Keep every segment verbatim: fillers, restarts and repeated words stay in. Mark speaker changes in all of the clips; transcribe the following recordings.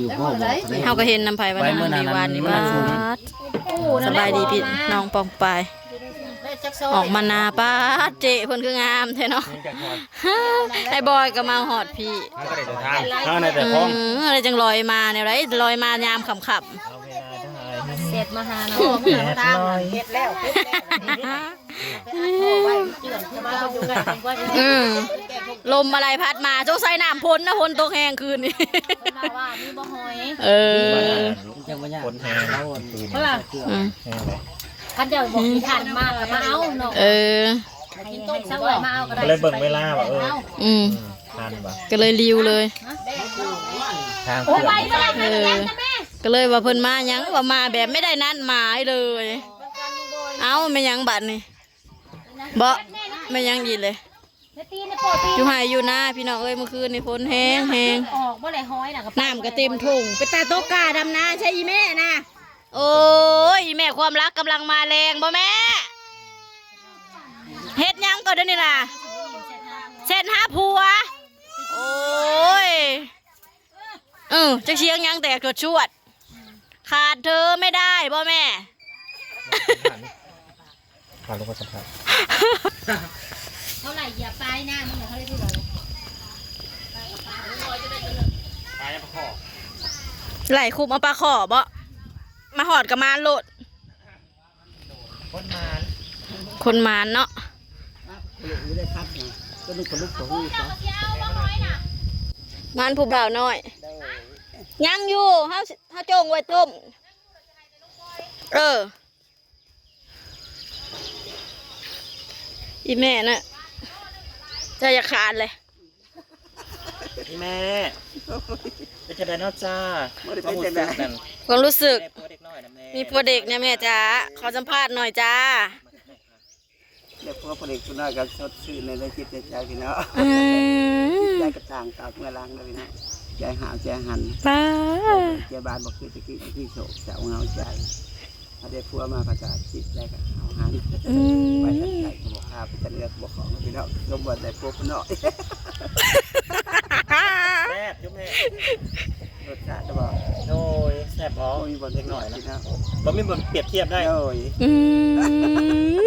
Speaker 1: อยู่พ่อบอก
Speaker 2: เฮาก็เห็นน้ำไผ่วันนั้นในวันนี้ว่าสบายดีพี่น้องปองปายออกมานาป้าเจเพิ่นคืองามแท้เนาะไอ้บอยก็มาหอดพี่
Speaker 3: ก็ได้แต่ทางข้างในแต่พ้อง
Speaker 2: อะไรจังลอยมาเนี่ยไรลอยมายามขำขับ
Speaker 4: เสร็จมาหาเนาะเมื่อตามเฮ็ดแล้วเฮ็ดแล้ว
Speaker 2: อืมลมอะไรพัดมาจงใส่น้ำพ้นนะพ้นตกแห้งคืนนี้
Speaker 4: มาว่ามีบ่หอย
Speaker 2: เออ
Speaker 1: ยังไม่ยาก
Speaker 3: คนแทงแล้วตื่น
Speaker 4: เพราะว่า
Speaker 3: แทงเลย
Speaker 4: คันเดียวบอกมีทานมากมาเอาเนาะ
Speaker 2: เออ
Speaker 4: ให้ให้สักวันมาเอาก็ได้
Speaker 3: ก็เลยเบิ่งเวลาว่าเออ
Speaker 2: อืม
Speaker 3: ทานป่ะ
Speaker 2: ก็เลยริวเลย
Speaker 3: ทางเพื่อน
Speaker 2: เออก็เลยว่าเพิ่นมายังว่ามาแบบไม่ได้นัดหมายเลย เอาไม่ยังบัดนี่บ่ไม่ยังดีเลยอยู่ไห้อยู่หน้าพี่น้องเอ้ยเมื่อคืนนี่ฝนแห้งแห้ง
Speaker 4: ออกบ่ได้หอยน่ะก็
Speaker 2: น้ำก็เต็มถุงไปตาโตกาดำนาใช่อีแม่นะโอ้ยอีแม่ความรักกำลังมาแรงบ่แม่เฮ็ดยังก่อนเดี๋ยวนี้นะเส้นหาผัวโอ้ยเออจะเชียงยังแต่กดชวดขาดเธอไม่ได้บ่แม่
Speaker 3: ผ่านลูกสัมผัส
Speaker 4: เท่าไหร่เหยียบปลายหน้ามันเขาได้ที่ไหน
Speaker 3: ตายประคอ
Speaker 2: ไหลคุบเอาปลาขอบ่มาหอดกับมาโลด
Speaker 3: คนมาน
Speaker 2: คนมานเนาะ
Speaker 1: อยู่ได้พักนะก็นึกคนลุกตัวหูเขา
Speaker 2: มานผู้บ่าวน้อยยังอยู่เฮาเฮาจงไว้ต้มเอออีแม่น่ะใจจะขาดเลย
Speaker 3: พี่แม่เป็นจะได้นอกจ้า
Speaker 2: ความรู้สึก
Speaker 3: ผัวเด็กน้อยนะแม่
Speaker 2: มีผัวเด็กเนี่ยแม่จ้าขอสัมภาษณ์หน่อยจ้า
Speaker 1: เด็กพ่อเด็กคนน้อยกันสดชื่นในได้คิดในใจพี่น้อง
Speaker 2: อืม
Speaker 1: ใจกระต่างตาเมื่อล้างเลยพี่น้องใจหาวใจหัน
Speaker 2: ป้า
Speaker 1: ใจบานบอกคือตะกี้ที่โศกเสาเงาใจถ้าได้พัวมากระจาจิตใจกับหาวหัน
Speaker 2: อืม
Speaker 1: ไปทางไหนก็บอกข้าไปจะเลือกบอกของพี่น้องลมบนได้พวกพี่น้อง
Speaker 3: แซ่บยุ่งแม่
Speaker 1: รสชาติจะบอก
Speaker 3: โอ้ยแซ่บอ๋อ
Speaker 1: โอ้ยบน
Speaker 3: เด็กหน่อยนะ
Speaker 1: พี่น้อง
Speaker 3: บ่มีบ่เปรียบเทียบได้
Speaker 1: โอ้ย
Speaker 2: อืม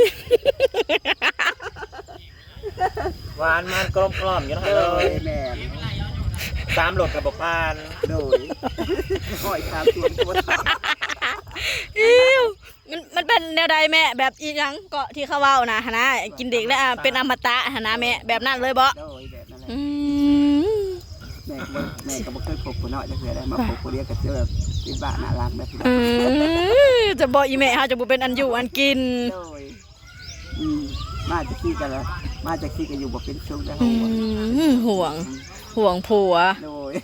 Speaker 3: หวานมันกลมกล่อมอยู่นะ
Speaker 1: โอ้
Speaker 3: เลย
Speaker 1: ยแม่
Speaker 3: ตามโหลดกับบอกพาน
Speaker 1: โดยหอยคามตัวตัว
Speaker 2: อิ้วมันมันเป็นแนวใดแม่แบบอีหยังเกาะที่เขาเว้านะหนนะกินเด็กแล้วอ่ะเป็นอมตะหนนะแม่แบบนั้นเลยบ่
Speaker 1: โดยแบบนั้นแหละ
Speaker 2: อืม
Speaker 1: แม่ก็แม่ก็บอกเคยพบคนน้อยจะเคยได้มาพบคนเดียวกับเจ้าที่บ้านน่ารักแบบนี้
Speaker 2: อืมจะบอกอีแม่เฮาจะบ่เป็นอันอยู่อันกิน
Speaker 1: โดยอืมมาจะขี้กันแล้วมาจะขี้กันอยู่บอกเป็นช่วงได้
Speaker 2: อื
Speaker 1: หัว
Speaker 2: มห่วงห่วงผัว
Speaker 1: โดย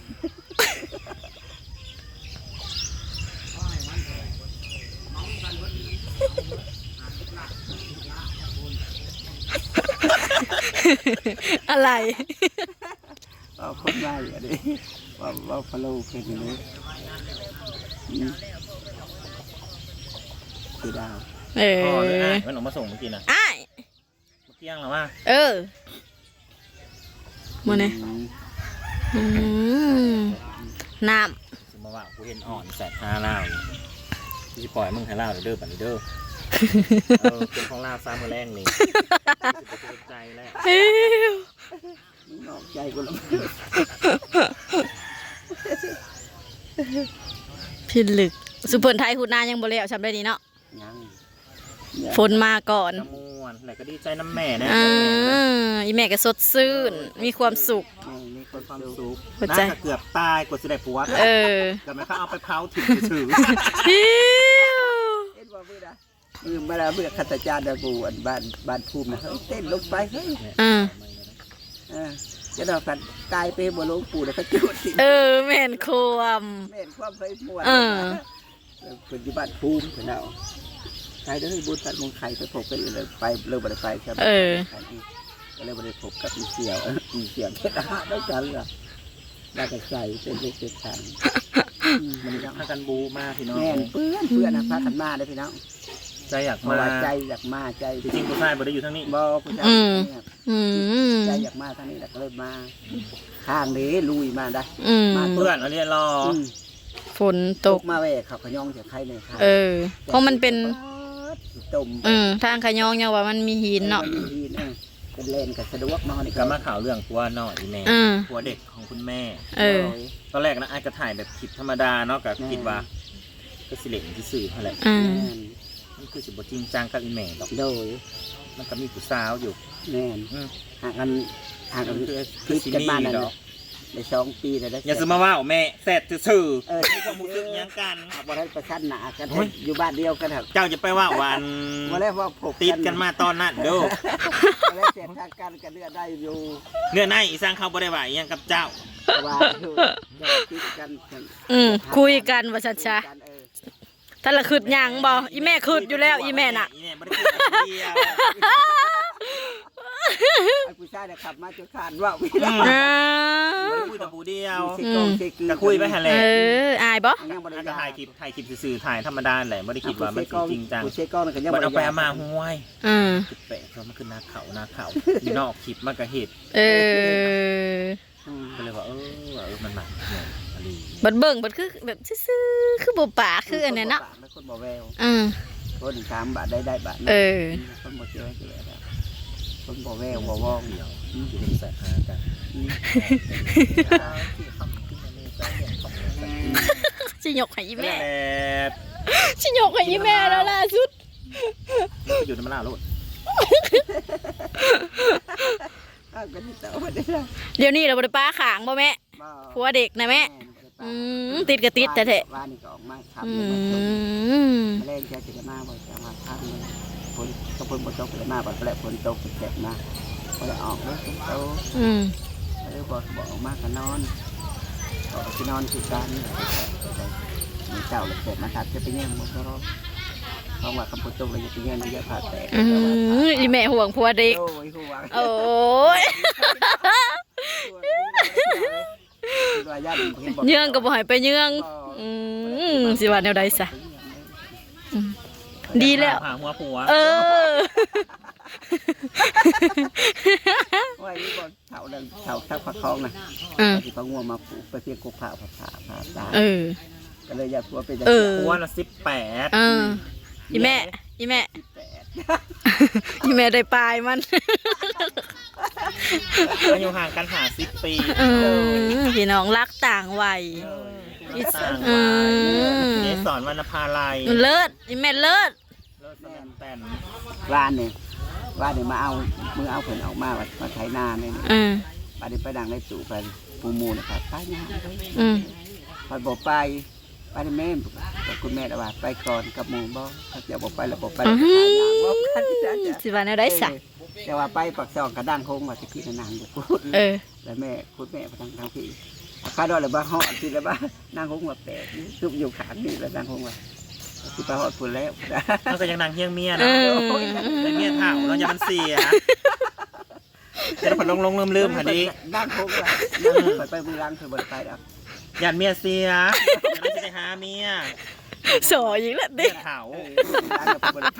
Speaker 2: อะไร
Speaker 1: ว่าคนว่าอย่างนี้ว่าว่าฟอลโล่เป็นอย่างนี้คือดาว
Speaker 2: เอ
Speaker 3: อ๋อ
Speaker 2: อ
Speaker 3: เลยอ่ะมันออกมาส่งเมื่อกี้นะ
Speaker 2: อ้าย
Speaker 3: เมื่อกี้ยังหรอว่า
Speaker 2: เออมื้อนี้อืมน้ำ
Speaker 3: สมมติว่ากูเห็นอ่อนแสบห้าเล่าที่จะปล่อยมึงให้เล่าเด้อบัดนี้เด้อเออเป็นของลาซ้ำมือแรงนี่สิบใจแล้ว
Speaker 2: อิ๊ว
Speaker 1: นอกใจกูแล้ว
Speaker 2: พิลึกสุเพิ่นไทยหูดนายังบ่แล้วจำได้ดีเนาะ
Speaker 1: ยัง
Speaker 2: ฝนมาก่อน
Speaker 3: กระมวลไหนก็ดีใจน้ำแม่นะ
Speaker 2: อ่าอีแม่ก็สดชื่นมีความสุข
Speaker 1: มีคน
Speaker 3: ความ
Speaker 1: ดู
Speaker 3: สุข
Speaker 2: หัว
Speaker 3: น่า
Speaker 2: ใจ
Speaker 3: จะเกือบตายกว่าจะได้ผัว
Speaker 2: เออ
Speaker 3: แต่ไม่เขาเอาไปเผาถึงถือ
Speaker 2: อิ๊ว
Speaker 1: เต้นว่าเบื่อนะมือเวลาเบื่อขัตจารย์ดาบูอันบ้านบ้านภูมินะเฮ้ยเต้นลงไปเฮ้ย
Speaker 2: อ่า
Speaker 1: อ่าจะดอกกันตายไปบ่ลงปู่แล้วก็จุดสิ
Speaker 2: เออแม่นความ
Speaker 1: แม่นความไฟมวน
Speaker 2: เออ
Speaker 1: เป็นที่บ้านภูมิเพิ่นเอาใครได้บุญตัดมงไข่ไปพบกันเลยไปเริ่มบ่ได้ไปครับ
Speaker 2: เออ
Speaker 1: ก็เลยบ่ได้พบกับอีเสี่ยวอีเสี่ยวเฮ็ดอาหารด้วยกันล่ะแล้วก็ใส่เป็นเล็กเป็นทาง
Speaker 3: มันยังพากันบูมากพี่น้อง
Speaker 1: แม่นเพื่อนเพื่อนนะพากันมาได้อพี่น้อง
Speaker 3: ใจอยาก
Speaker 1: เพราะ
Speaker 3: มา
Speaker 1: ว่าใจอยากมาใจ
Speaker 3: จริงๆผู้ชายบ่ได้อยู่ทั้งนี้
Speaker 1: บ่ผู้ชาย
Speaker 2: อืม
Speaker 1: เนี่ย
Speaker 2: อืม
Speaker 1: ใจอยากมาทางนี้แหละก็เลยมาข้างนี้ลุยมาได้
Speaker 2: อืม
Speaker 1: มา
Speaker 3: เพื่อนเอาเรียนรอ
Speaker 1: อืม
Speaker 2: ฝนตก
Speaker 1: มาแวกเขาขยองจะใครเนี่ยค่ะ
Speaker 2: เออเพราะมันเป็น
Speaker 1: ต้ม
Speaker 2: อืมทางขะยองยังว่ามันมีหินเนาะ
Speaker 1: มัมีหินเออเป็นเลนกับสะดวกเนาะนี่
Speaker 3: ก็มาข่าวเรื่องผัวน้อยอีแม่
Speaker 2: อืม
Speaker 3: ผัวเด็กของคุณแม่
Speaker 2: เออ
Speaker 3: ตอนแรกนะไอ้ก็ถ่ายแบบคลิปธรรมดาเนาะก็คิดว่าก็สิเล่นที่สื่อเท่าไหร่
Speaker 2: อืม
Speaker 1: แม่น
Speaker 3: มันคือสิบ่จริงจังกับอีแม่ดอก
Speaker 1: โดย
Speaker 3: มันก็มีผู้สาวอยู่
Speaker 1: แม่น
Speaker 3: อืม
Speaker 1: ห่างกันห่างกัน
Speaker 3: คือ
Speaker 1: คลิปกันมานั่น
Speaker 3: ดอ
Speaker 1: น่ะ
Speaker 3: ก
Speaker 1: ในสองปีเลยนะ
Speaker 3: อย่าสมาว่าแม่แสบซื่อ
Speaker 1: เออ
Speaker 3: ๆมีความรู้สึกหยังกัน
Speaker 1: บ่ได้ประชันหนากัน
Speaker 3: โอ้ย
Speaker 1: อยู่บ้านเดียวกันครับ
Speaker 3: เจ้าจะไปว่าวัน
Speaker 1: บ่ได้ว่าพบ
Speaker 3: ติดกันมาตอนนั้นเด้อ
Speaker 1: บ่ได้เสียทางกันกันเลือดได้อยู่
Speaker 3: เนื้อในอีสร้างเขาบ่ได้ว่าอีหยังกับเจ้า
Speaker 1: ว่าอยู่เดี๋ยวติดกันกัน
Speaker 2: อืมคุยกันว่าชัดชา
Speaker 1: กันเออ
Speaker 2: ถ้าละคืดหยังบ่อีแม่คืดอยู่แล้วอีแม่น่ะ
Speaker 3: อีแม่บ่ได้คิดกับเดียว
Speaker 1: ไอ้ผู้ชายเนี่ยขับมาจนขาดว่าไม่ได้
Speaker 2: อ่า
Speaker 3: บ่ได้คุยกับผู้เดียว
Speaker 1: เสกองเสกือ
Speaker 3: ก็คุยไปหั่นแห
Speaker 2: เอ
Speaker 3: ละ
Speaker 2: ออายบ่
Speaker 1: ยังบ่ได้
Speaker 3: แล้วก็ถ่ายคลิปถ่ายคลิปซื่อๆถ่ายธรรมดาแหละไม่ได้คิดว่ามันจริงจัง
Speaker 1: ผู้เสกองกันยัง
Speaker 3: มัน
Speaker 1: บ่
Speaker 3: เอา
Speaker 1: ได้
Speaker 3: ไปเอามาห้วย
Speaker 2: อืม
Speaker 3: จุดแปะเพราะมันคือนาเขานาเขามีนอกคลิปมันก็เห็ด
Speaker 2: เออ
Speaker 1: อืม
Speaker 3: ก็เลยว่าเออว่าเออมันหนักเนี่ยอะไร
Speaker 2: บัดเบิ่งบัดคือแบบซื่อๆคือบ่ปากคืออันนั้นเนาะ
Speaker 1: แล้วคนบ่แวว
Speaker 2: อืม
Speaker 1: คนสามบาทได้ได้บาท
Speaker 2: เออ
Speaker 1: คนบ่เชื่อเชื่อแล้วคนบ่แววบ่ว่อง
Speaker 3: เดียวที่เป็นแสบหากัน
Speaker 2: สิยกให้อี
Speaker 3: แม่
Speaker 2: แม่สิยกให้อีแม่แล้วล่าสุด
Speaker 3: ไปอยู่ในมะลาโลด
Speaker 1: อ้าวก็นี่ต่อบ่ได้ละ
Speaker 2: เดี๋ยวนี้เราบ่ได้ป้าขางบ่แม่ผัวเด็กนะแม่อืมติดก็ติดแต่แท้
Speaker 1: ว่านี่ก็ออกมาขับ
Speaker 2: อื
Speaker 1: เลยมาส่ง
Speaker 2: ม
Speaker 1: แมลงจะจะมาบ่จะมาพักเลยฝนก็ฝนบ่ตกเลยมาบ่แปลฝนตกเจ็บมาบ่ได้ออกเลยฝนตก
Speaker 2: อืม
Speaker 1: เลยบ่บ่ออกมาก็นอนก็สินอนคือกันมีเจ้าเลยเจ็บมาทัดจะไปแย่งบ่รอเพราะว่าคำพูดตกเลยจะไปแย่งมันเยอะผ่าแตก
Speaker 2: อืมอีแม่ห่วงผัวเด็ก
Speaker 1: โอ้ยหัว
Speaker 2: โอ้ยเยื่องก็บ่ให้ไปเยื่องอืมสิว่าแนวใดซะอืมดีแล้ว
Speaker 3: หาหัวผัว
Speaker 2: เออ
Speaker 1: ว่านี่บ่เฒ่าดังเฒ่าทักผักคองน่ะ
Speaker 2: อืม
Speaker 1: ที่เขางัวมาปลูกไปเพียงกุผ่าผ่าผ่าผ่าตา
Speaker 2: เออ
Speaker 1: ก็เลยอยากผัวเป็น
Speaker 2: เออ
Speaker 3: ผัวละสิบแปด
Speaker 2: เอออีแม่อีแม่
Speaker 1: แปด
Speaker 2: อีแม่ได้ปลายมัน
Speaker 3: อายุห่างกันหาสิบปี
Speaker 2: เออพี่น้องรักต่างวัย
Speaker 3: ต่าง
Speaker 2: อื
Speaker 3: วัย
Speaker 2: ม
Speaker 3: เกสรวรรณภาลัย
Speaker 2: เลิศอีแม่เลิศ
Speaker 3: เลิศแสดงแต่น
Speaker 1: ว่านเนี่ยว่านเนี่ยมาเอามือเอาเพิ่นออกมาว่ามาไถนาเนี่ย
Speaker 2: อืม
Speaker 1: บัดนี้ไปดังในตู่ไปปูมูนะครับไปงานเลย
Speaker 2: อืม
Speaker 1: พอบอกไปไปได้แม่บอกคุณแม่ละว่าไปก่อนกับหมู่บ่ถ้าจะบอกไปแล้วบอกไป
Speaker 2: อื
Speaker 1: แล้วก็ขายยาบ่
Speaker 2: ม
Speaker 1: กันจ้ะ
Speaker 2: สิว่าแนวใดซะ
Speaker 1: แต่ว่าไปปักซองกระด้างโค้งว่าสิพี่นางอยู่พูด
Speaker 2: เออ
Speaker 1: แล้วแม่คุณแม่ไปทางทางพี่ข้าดอยเลยบ้าฮอดที่แล้วบ้านางโค้งว่าแปลกซุบอยู่ขางนี่แล้วนางโค้งว่าสิไปฮอดพุ่นแล้ว
Speaker 3: มันก็ยังนางเฮี้ยงเมีย
Speaker 2: เอ
Speaker 3: นะ
Speaker 2: อ
Speaker 3: แต่เมียเถ่าแล้วอย่ามันเสียเดี๋ยวมันลงลงลืมลืมพอดี
Speaker 1: นางโค้งว่าไปไปมือล้างคือบ่ไปแล้ว
Speaker 3: อย่าเมียเสียอย่าไม่ไปหาเมีย
Speaker 2: สออีกแล้ว
Speaker 3: เมี
Speaker 2: ดิ
Speaker 3: ยเถ่า
Speaker 1: ล้างกับบ่ไป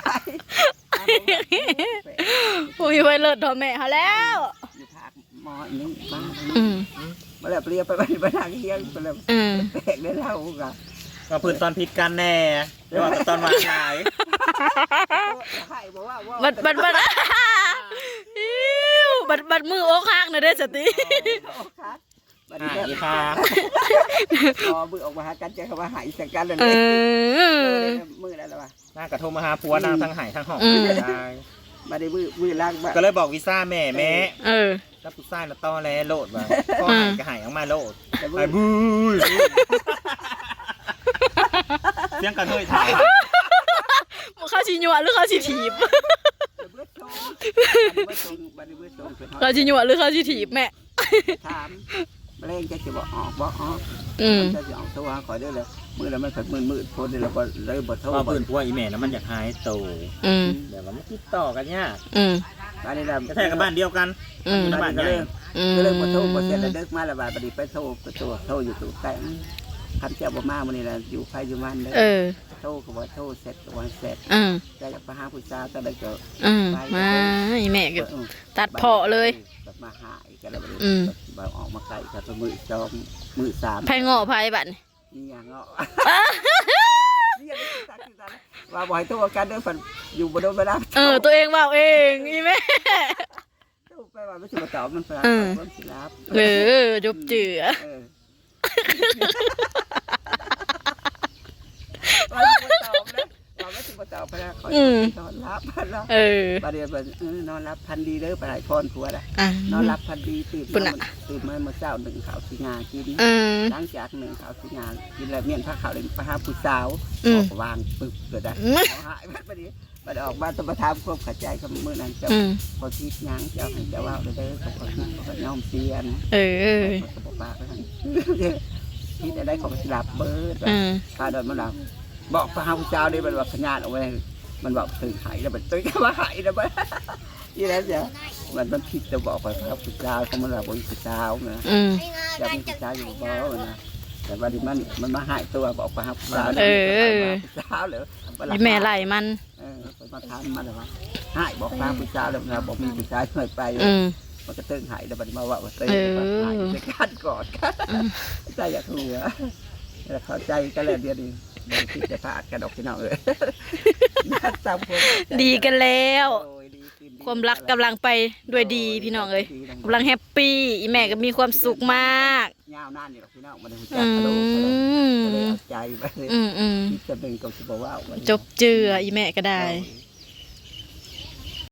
Speaker 2: โอ้ยไว้เลิศทอแม่เขาแล้ว
Speaker 1: อยู่ภาคมอนี่บ้าน
Speaker 2: อืม
Speaker 1: มาแล้วเปลี่ยนไปไปไปทางเฮียงไปแล้ว
Speaker 2: อืม
Speaker 1: แปลกได้เล่ากัน
Speaker 3: มาพื้นตอนพิษกันแน่เดี๋ยวว่าตอนวางหลาย
Speaker 1: ให้บอกว่าว่า
Speaker 2: บัดบัดบัดอิ๊วบัดบัดมือโอ๊กหักนะเด้อสติ
Speaker 1: บัด
Speaker 3: หา
Speaker 1: นี้
Speaker 3: ยค่ะ
Speaker 1: พอมือออกมาหากันใจเขาว่าหายสักกันเลย
Speaker 2: เออ
Speaker 1: มือแล้วล่ะ
Speaker 3: น่ากระโทรมาหาผัวนางทั้งหายทั้งหอก
Speaker 2: อืม
Speaker 3: ได้
Speaker 1: มาได้มือมือล้างบ้า
Speaker 3: ก็เลยบอกวีซ่าแม่แม่
Speaker 2: เออ
Speaker 3: แล้วผู้ชายน่ะต้อแลโลดว่ะพ่อหายก็หายออกมาโลด
Speaker 1: แต่มื
Speaker 3: ไป
Speaker 1: อ
Speaker 3: บูยเสียงกระเทยถ่าย
Speaker 2: เขาชิญัวหรือเขาชิถีบ
Speaker 1: เบื่อโชว์บัดนี้เบื่อโชว์บัดนี้เบื่อโชว์เป็น
Speaker 2: เขาชิญัวหรือเขาชิถีบแม่
Speaker 1: ถามแมลงจะจะบอกออกบอกออก
Speaker 2: อืม
Speaker 1: จะจะออกตัวขอได้เลยมือแล้วมันผัดมือมืดพ้นแล้วก็เลยบดโทษ
Speaker 3: ว่าพื้นผัวอีแม่นะมันอยากหายโต
Speaker 2: อืม
Speaker 3: เดี๋ยวมันติดต่อกันยาก
Speaker 2: อืม
Speaker 1: บ้านนี้เรา
Speaker 3: กระแทกกับบ้านเดียวกัน
Speaker 2: อืม
Speaker 1: บ้านนี้ก็เลย
Speaker 2: อืม
Speaker 1: ก็เลยบดโทษบดเสร็จแล้วเดิกมาแล้วบ้านปฏิไปโทษก็โทษโทษอยู่ตู่แต่คำเจ้าบ่มาวันนี้เราอยู่ไฟอยู่มันเลย
Speaker 2: เออ
Speaker 1: โทษก็บ่โทษเสร็จก็วันเสร็จ
Speaker 2: อืม
Speaker 1: แต่จากไปหาผู้สาวก็เลยก็
Speaker 2: อืมมาอีแม่ก็ตัดเพาะเลย
Speaker 1: แบบมาหายกันแล้ว
Speaker 2: อืม
Speaker 1: แบบออกมาไกลกันมือจอมมือสาม
Speaker 2: ไผงอไผบัดนี่
Speaker 1: นี่อย่างเนาะนี่อย่างนี้สักทีสักว่าบ่อยตัวกันเด้อฝันอยู่บนโดนเวลา
Speaker 2: เออตัวเองว่าเองอีแม่
Speaker 1: ตู้ไปว่าไม่ใช่มาตอบมันฝรั่งมันสิรับ
Speaker 2: เออจบเจือ
Speaker 1: เออว่าไม่ตอบนะว่าไม่ใช่มาตอบไปแล้วคอยนอนรับพันแล้ว
Speaker 2: เออ
Speaker 1: ประเดี๋ยวมันนอนรับพันดีเด้อปลายพรผัวนะ
Speaker 2: อ่ะ
Speaker 1: นอนรับพันดีตื่นมาตื่นมาเมื่อเช้าหนึ่งข่าวสีงากิน
Speaker 2: เออ
Speaker 1: หลังจากหนึ่งข่าวสีงากินแล้วเมียนผ้าขาวเลยไปหาผู้สาว
Speaker 2: อืม
Speaker 1: วางปึกเกิดได้หายไปประเดี๋ยวมาออกบ้านต้องมาทำควบขัดใจกับมือนั้นเจ้า
Speaker 2: อืม
Speaker 1: พอคิดยังเจ้าให้เจ้าว่าเด้อเขาพอคิดเขาย่อมเสียนะ
Speaker 2: เออ
Speaker 1: เขาบอกว่าไปทางคิดอะไรของสิลับเบิร์ด
Speaker 2: อืม
Speaker 1: ข้าโดนมันลับบอกพระผู้เจ้าได้มันว่าขยานเอาไว้มันบอกตื่นหายแล้วมันตื่นมาหายแล้วมันยี่แล้วจ้ะมันมันคิดจะบอกไปพระพุทธเจ้าเขามันว่าบนพุทธเจ้านะ
Speaker 2: อืม
Speaker 1: จะมีพุทธเจ้าอยู่บ่นะแต่วันนี้มันมันมาหายตัวบอกพระพุทธเจ้า
Speaker 2: เออ
Speaker 1: พุทธเจ้าเหรอ
Speaker 2: อีแม่ไล่มัน
Speaker 1: เออมาทำมันหรอวะหายบอกพระพุทธเจ้าแล้วนะบอกมีพุทธเจ้าช่วยไป
Speaker 2: อืม
Speaker 1: มันก็ตื่นหายแล้วมันมาว่าตื่น
Speaker 2: เออ
Speaker 1: หายจะกันก่อนใจอยากหัวแล้วเข้าใจกันแล้วเดียวดีไม่คิดจะพลาดกันดอกพี่น้องเลยตามคน
Speaker 2: ดีกันแล้ว
Speaker 1: โอ้ยดีขึ้นดี
Speaker 2: ความรักกำลังไปด้วยดีพี่น้องเอ้ยกำลังแฮปปี้อีแม่ก็มีความสุขมาก
Speaker 1: ยาวนานนี่หรอกพี่น้องมันรู้จั
Speaker 2: อื
Speaker 1: กกระโดดกระโดด
Speaker 2: ม
Speaker 1: ก็เลยเอาใจไปเลย
Speaker 2: อืมอืม
Speaker 1: คิดจะเป็นกับสิบว่าวัน
Speaker 2: จบเจืออีแม่ก็ได้
Speaker 1: โอ้ย